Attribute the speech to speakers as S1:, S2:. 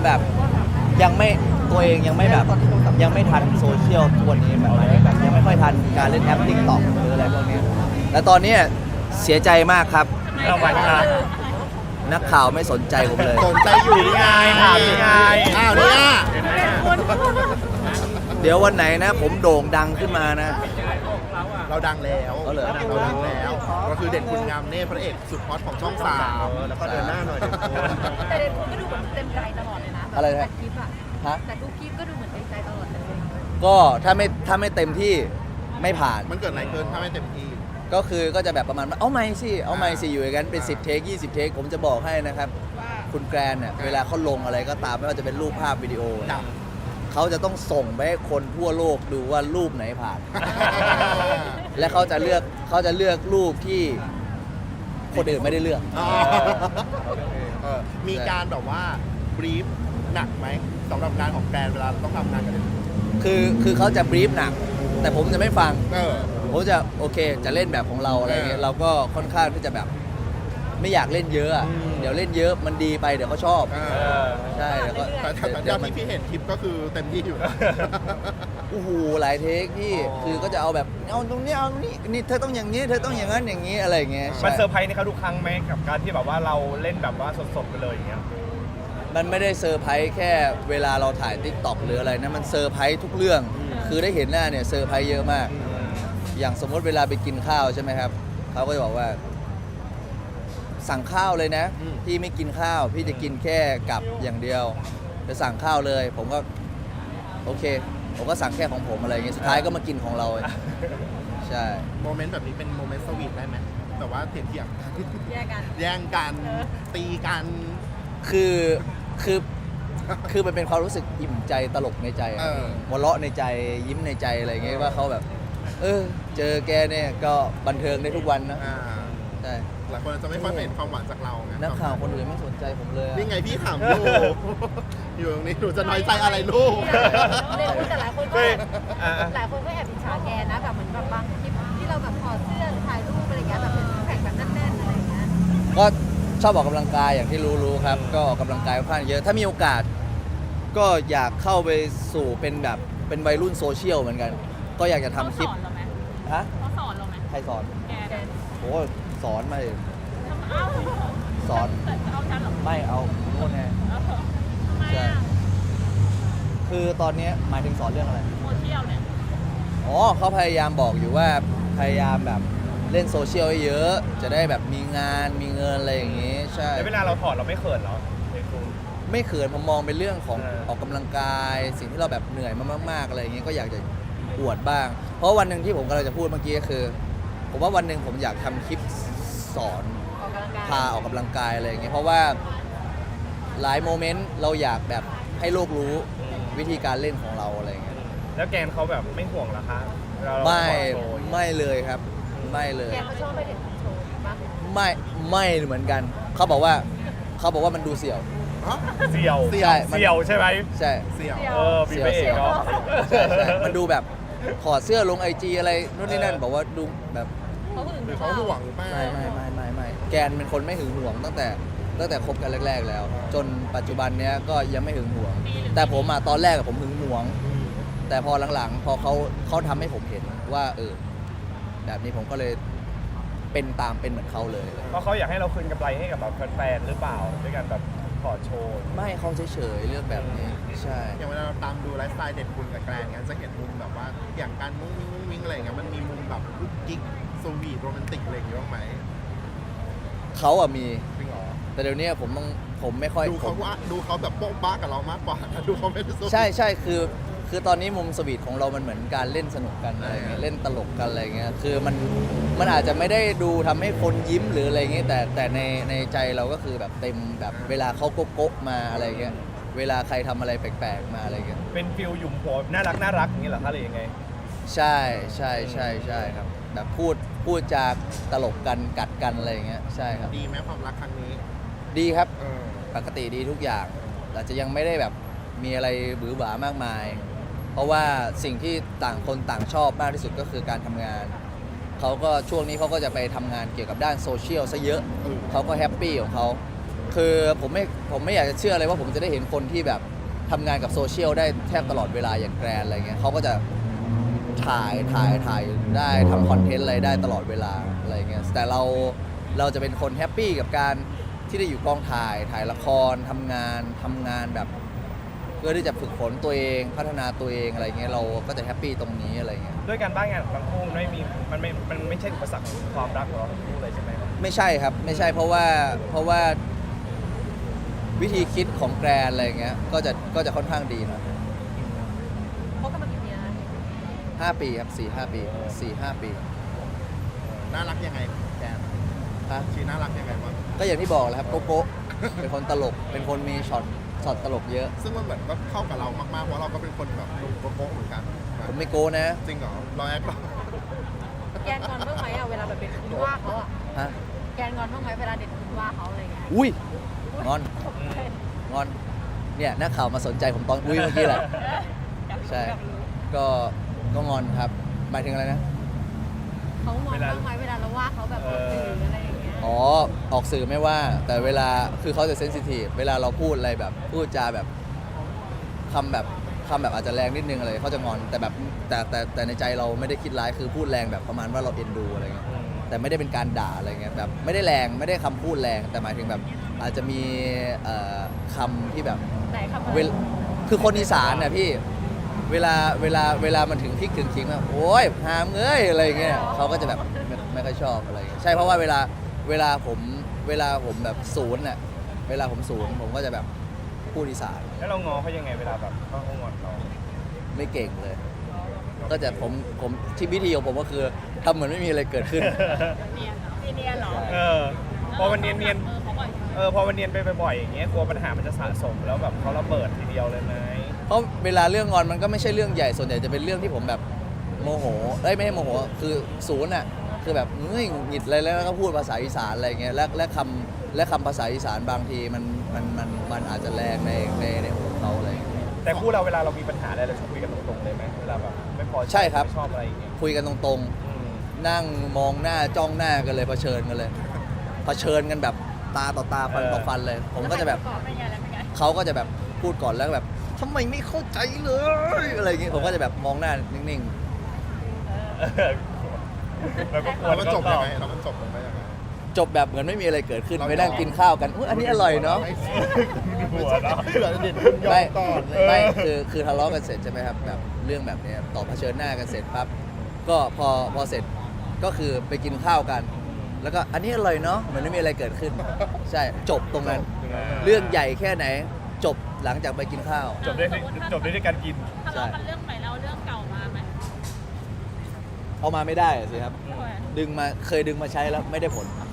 S1: แบบยังไม่ตัวเองยังไม่แบบยังไม่ทันโซเชียลทุกวันนี้แบบยังไม่ค่อยทันการเล่นแอปติ๊กต็อกหรืออะไรพวกนี้แล้วตอนนี้เสียใจมากครับ
S2: เราวันค่ะ
S1: นักข่าวไม่สนใจผมเลย
S3: สนใจอยู่นี่ไงถามนี่ไงอ้าวเนี่ย
S1: เดี๋ยววันไหนนะผมโด่งดังขึ้นมานะ
S3: เราดังแล้ว
S1: เอาเหรอ
S3: เราดังแล้วก็คือเด่นคุณงามเน่พระเอกสุดฮอตของช่อง3แล้วก็เดินหน้าหน่อยเด่นคุณ
S4: แต่เด็กคุณก็ดูเหมือนเต็มใจตลอดเลยนะแบบ
S1: อะไรนะ
S4: แต่คลิปอะ
S1: ฮะ
S4: แต่ทุกคลิปก็ดูเหมือนเต็มใจตลอดเลย
S1: ก็ถ้าไม่เต็มที่ไม่ผ่าน
S3: มันเกิดอะไรขึ้นถ้าไม่เต็มที่
S1: ก็คือก็จะแบบประมาณว่าเอาไม่สิอยู่อย่างนั้นเป็น10 เทค 20 เทคผมจะบอกให้นะครับ คุณแกรนเนี่ยเวลาเขาลงอะไรก็ตามไม่ว่าจะเป็นรูปภาพวิดีโอ
S3: ดัง
S1: เขาจะต้องส่งไปให้คนทั่วโลกดูว่ารูปไหนผ่าน และเขาจะเลือกรูปที่คนอื่นไม่ได้เลือก
S3: อ๋อมีการแบบว่าบรีฟหนักไหมสำหรับงานของแกรนเวลาต้องทำงานกันเลย
S1: คือเขาจะบรีฟหนัก แต่ผมจะไม่ฟัง
S3: เออ
S1: ผมจะโอเคจะเล่นแบบของเราอะไรเงี้ยเราก็ค่อนข้างที่จะแบบไม่อยากเล่นเยอะอะ
S3: อืม
S1: เดี๋ยวเล่นเยอะมันดีไปเดี๋ยวเขาชอบ
S3: เอ
S2: เอ
S3: อ
S2: อ
S1: ใช่แล้วก็
S3: แต่
S1: เดี๋ยวมัน
S3: ที่พี่เห็นคลิปก็คือเต็มที่อยู่นะ
S1: โอ้โหหลายเทคพี่
S3: อ๋อ
S1: คือก็จะเอาแบบเอาตรงนี้เอาตรงนี้นี่เธอต้องอย่างนี้เธอต้องอย่างนั้นอย่างนี้อะไรอย่างเงี้ย
S2: มัน
S1: ใช่
S2: เซอร์ไพรส์ในเขาทุกครั้งไหมกับการที่แบบว่าเราเล่นแบบว่าสดๆไปเลยอย่างเงี้ย
S1: มันไม่ได้เซอร์ไพรส์แค่เวลาเราถ่ายทิกตอกหรืออะไรนะมันเซอร์ไพรส์ทุกเรื่อง คือได้เห็นหน้าเนี่ยเซอร์ไพรส์เยอะมาก อย่างสมมติเวลาไปกินข้าวใช่ไหมครับเขาก็จะบอกว่า สั่งข้าวเลยนะ
S3: อืม
S1: พี่ไม่กินข้าว พี่จะกินแค่กับอย่างเดียวจะสั่งข้าวเลย ผมก็โอเค ผมก็สั่งแค่ของผมอะไรอย่างเงี้ยสุดท้ายก็มากินของเราใช่
S3: โมเมนต์แบบนี้เป็นโมเมนต์สวีทได้ไหมแต่ว่าเถียง
S4: แยกกัน
S3: แย่งกันตีกัน
S1: คือคือคือมันเป็นความรู้สึกอิ่มใจตลกในใจอะ
S3: เออ
S1: หัวเราะในใจยิ้มในใจอะไรเงี้ยว่าเขาแบบ เจอแกเนี่ยก็บันเทิงได้ทุกวันนะ
S3: อ่า
S1: ใช่
S3: หลายคนจะไม่ค่อยเห็นความหวานจากเราไง
S1: นักข่าวคนอื่นไม่สนใจผมเลยอะ
S3: นี่ไงพี่ถามลูกอยู่ตรงนี้หนูจะน้อยใจอะไรลูก
S4: เร็วแต่หลายคนก็
S2: เฮ้ยอ่ะ
S4: หลายคนก็แอบอิจฉาแกนะแบบเหมือนแบบบางคลิปที่เราแบบถอดเสื้อหรือถ่ายรูปอะไรอย่างเงี้ยแบบเป็นแพ็คแบบแน่นๆอะไรอย่างเงี้ย
S1: ก็ชอบออกกำลังกายอย่างที่รู้ครับ ก็ออกกำลังกายค่อนข้างเยอะ ถ้ามีโอกาส ก็อยากเข้าไปสู่เป็นแบบเป็นวัยรุ่นโซเชียลเหมือนกัน ก็อยากจะทำคลิป
S5: เขาสอนเราไหม
S1: ฮะ
S5: เขาสอนเราไหม
S1: ใครสอน
S5: แกเนี่ย
S1: โอ้สอนมาเลย
S5: เอ้า
S1: สอน
S5: แต่เอาฉันเหรอ
S1: ไม่เอาโน่นไง
S5: เออทำไม
S1: ใช่
S5: อ่ะ
S1: คือตอนนี้หมายถึงสอนเรื่องอะไร
S5: โซเชียลเนี่ย
S1: อ๋อเขาพยายามบอกอยู่ว่าพยายามแบบเล่นโซเชียลให้เยอะ จะได้แบบมีงานมีเงินอะไรอย่างงี้ ใช่
S2: แล้วเวลาเราถอดเราไม่เขินเหรอเด็กคุณ
S1: ไม่เขินผมมองเป็นเรื่องของ
S2: เออ
S1: ออกกำลังกาย สิ่งที่เราแบบเหนื่อยมามากๆอะไรอย่างงี้ก็อยากจะอวดบ้าง เพราะวันหนึ่งที่ผมกำลังจะพูดเมื่อกี้ก็คือ ผมว่าวันหนึ่งผมอยากทำคลิปสอน
S4: ออกกำลังกาย
S1: พาออกกำลังกายอะไรอย่างเงี้ยเพราะว่าหลายโมเมนต์เราอยากแบบให้โลกรู้วิธีการเล่นของเราอะไรอย่างเงี้ย
S2: แล้วแกนเขาแบบไม่ห่วงเหรอคะเวลาเรา
S1: ไม่
S2: ถอดโชว์อย่างเงี้ย
S1: ไม่เลยครับ ไม่เลย
S4: แกก็ชอบไปเด็กโชว์ปะ
S1: ไม่เหมือนกัน เขาบอกว่ามันดูเสี่ยว
S2: เสี่ยว
S3: เสี่ยว
S1: ใช่มัน
S2: เสี่ยวใช่ไหม
S1: ใช่
S3: เสี่ยว
S2: เออมีพระเอกเนาะ
S1: ใช่มันดูแบบถอดเสื้อลงไอจีอะไรนู่นนี่นั่นบอกว่าดูแบบ
S4: เขาหึง
S3: หรือเขาห่วงหรือเปล่า
S1: ไม่แกนเป็นคนไม่หึงหวงตั้งแต่คบกันแรกๆแล้ว จนปัจจุบันเนี้ยก็ยังไม่หึงหวง แต่ผมอะตอนแรกอะผมหึงหวง แต่พอหลังๆ พอเขาทำให้ผมเห็นว่าแบบนี้ผมก็เลยเป็นเหมือนเขาเลย
S2: เพราะเขาอยากให้เราคืนกำไรให้กับแบบแฟนๆหรือเปล่าด้วยการแบบถอดโชว์
S1: ไม่เขาเฉยๆเรื่องแบบนี้ใช่
S3: อย่างเวลาเราตามดูไลฟ์สไตล์เด่นคุณกับแกรนเงี้ยจะเห็นมุมแบบว่าอย่างการมุ้งมิ้งอะไรเงี้ยมันมีมุมแบบกุ๊กกิ๊กสวีทโรแมนติกอะไรอย่างเงี้ยบ้างไหม
S1: เขาอะมี
S3: จริงเหรอ
S1: แต่เดี๋ยวนี้ผมไม่ค่อย
S3: ดูเขาว่าดูเขาแบบโป๊ะบ้ากับเรามากกว่าดูเขาไม่ได้สวีท
S1: ใช่คือตอนนี้มุมสวีทของเรามันเหมือนการเล่นสนุกกันอะไรเงี้ยเล่นตลกกันอะไรเงี้ยคือมันอาจจะไม่ได้ดูทำให้คนยิ้มหรืออะไรเงี้ยแต่ในใจเราก็คือแบบเต็มแบบเวลาเขาโก๊ะมาอะไรเงี้ยเวลาใครทำอะไรแปลกๆมาอะไรเงี้ย
S2: เป็นฟิลหยุ่มหัวน่ารักอย่างนี้เหรอคะหรือยังไง
S1: ใช่ครับแบบพูดจากตลกกันกัดกันอะไรเงี้ยใช่ครับ
S3: ดีไหมความรักครั้งนี้
S1: ดีครับ
S3: เออ
S1: ปกติดีทุกอย่างอาจจะยังไม่ได้แบบมีอะไรบือหวามากมาย เพราะว่าสิ่งที่ต่างคนต่างชอบมากที่สุดก็คือการทำงานเขาก็ช่วงนี้เขาก็จะไปทำงานเกี่ยวกับด้านโซเชียลซะเยอะเขาก็แฮปปี้ของเขาคือผมไม่อยากจะเชื่อเลยว่าผมจะได้เห็นคนที่แบบทำงานกับโซเชียลได้แทบตลอดเวลาอย่างแกรนอะไรเงี้ยเขาก็จะถ่ายได้ทำคอนเทนต์อะไรได้ตลอดเวลาอะไรเงี้ยแต่เราจะเป็นคนแฮปปี้กับการที่ได้อยู่กองถ่ายละครทำงานแบบเพื่อที่จะฝึกฝนตัวเองพัฒนาตัวเองอะไรเงี้ยเราก็จะแฮปปี้ตรงนี้อะไรเงี้ย
S2: ด้วยการบ้านงานของทั้งคู่มันไม่ใช่อุปสรรคของความรักของเราทั้งคู่เลยใช่ไหม
S1: ไม่ใช่ครับไม่ใช่เพราะว่าวิธีคิดของแกรนอะไรเงี้ยก็จะค่อนข้างดีนะ
S4: คบกันมากี่ปีแล้วนะ
S1: 5 ปีครับ4-5 ปี4-5 ปี
S3: น่ารักยังไงแกน
S1: ฮะ
S3: ชีน่ารักยังไงบ้าง
S1: ก็อย่างที่บอกแหล้วครับโก๊ะเป็นคนตลกเป็นคนมีช็อตตลกเยอะ
S3: ซึ่งมันเหมือนก็เข้ากับเรามากๆเพราะเราก็เป็นคนแบบดูโก๊ะๆเหมือนกัน
S1: ผมไม่โก้นะ
S3: จริงเหรอเราแอคเหรอ
S4: แกนงอนบ้างไหมอะเวลาแบบเป็นคุณว่าเขาอะ
S1: ฮะ
S4: แกนงอนบ้างไหมเวลาเด็กคุณว่าเขาอะไรเงี้ย
S1: อุ้ยงอนเนี่ยนักข่าวมาสนใจผมตอนอุ้ยเมื่อกี้แหละใช่ก็งอนครับหมายถึงอะไรนะ
S4: เขางอนบ้างไหมเวลาเราว่าเขาแบบออกสื่ออะไรอย่างเงี้ย
S1: อ๋อออกสื่อไม่ว่าแต่เวลาคือเขาจะเซนซิทีฟเวลาเราพูดอะไรแบบพูดจาแบบคำแบบอาจจะแรงนิดนึงอะไรเขาจะงอนแต่แบบแต่ในใจเราไม่ได้คิดร้ายคือพูดแรงแบบประมาณว่าเราเอ็นดูอะไรเงี้ยแต่ไม่ได้เป็นการด่าอะไรเงี้ยแบบไม่ได้แรงไม่ได้คำพูดแรงแต่หมายถึงแบบอาจจะมีคำที่แบบ
S4: ไหนคำอะไร
S1: คือคนอีสานน่ะพี่เวลามันถึงพริกถึงขิงอะโอ๊ยหามเงยอะไรเงี้ยเขาก็จะแบบไม่ค่อยชอบอะไรเงี้ยใช่เพราะว่าเวลาผมแบบศูนย์น่ะเวลาผมศูนย์ผมก็จะแบบพูดอีสาน
S2: แล้วเราง้อเขายังไงเวลาแบบเขางอนเรา
S1: ไม่เก่งเลย ก็จะผมที่วิธีของผมก็คือทำเหมือนไม่มีอะไรเกิดขึ้น
S5: เนียนเหรอ
S2: พอมันเนียน
S5: เขาบ่อย
S2: พอมันเนียนไปบ่อยๆอย่างเงี้ยกลัวปัญหามันจะสะสมแล้วแบบเขาระเบิดทีเดียวเลยไหม
S1: เพราะเวลาเรื่องงอนมันก็ไม่ใช่เรื่องใหญ่ส่วนใหญ่จะเป็นเรื่องที่ผมแบบโมโหไม่ใช่โมโหคือศูนย์อ่ะคือแบบเฮ้ยหงุดหงิดอะไรแล้วก็พูดภาษาอีสานอะไรเงี้ยและคำภาษาอีสานบางทีมันอาจจะแรงในหูเขาอะไรเงี้ย
S2: แต่คู่เราเวลาเรามีปัญหาอะไรเราชอบคุยกันตรงๆเลยไหมเวลาแบบไม่พอ
S1: ใช่ครับ
S2: ไม่ชอบอะไรอย่างเงี้ย
S1: คุยกันตรง
S2: อืม
S1: ๆ นั่งมองหน้าจ้องหน้ากันเลยเผชิญกันเลยเผชิญกันแบบตาต่อตาฟันต่อฟันเลย ผมก็จะแบบ
S5: เป็นไงแล้วเป็นไง
S1: เขาก็จะแบบพูดก่อนแล้วก็แบบทำไมไม่เข้าใจเลยอะไรอย่างเงี้ยผมก็จะแบบมองหน้านิ่ง
S2: แล้วก็กลัว
S3: เราก็จบยังไงเราก็จบกันไปยังไง
S1: ๆ จบแบบเหมือนไม่มีอะไรเกิดขึ้นไปนั่งกินข้าวกันอุ๊ยอันนี้อร่อยเนาะ
S2: หัวเนาะ
S3: เหลือเด็ดคุณยอมก่อนเลย
S1: ไม่คือทะเลาะกันเสร็จใช่ไหมครับแบบเรื่องแบบเนี้ยต่อเผชิญหน้ากันเสร็จปั๊บก็พอเสร็จก็คือไปกินข้าวกัน แล้วก็อันนี้อร่อยเนาะเหมือนไม่มีอะไรเกิดขึ้น ใช่จบตรงนั้น เรื่องใหญ่แค่ไหน จบหลังจากไปกินข้าว
S2: จบด้วยการกิน
S5: ทะเลาะกันเรื่องใหม่แล้วเรื่องเก่ามาไหม
S1: เอามาไม่ได้สิครับ เคยดึงมาใช้แล้วไม่ได้ผล
S5: อ๋อ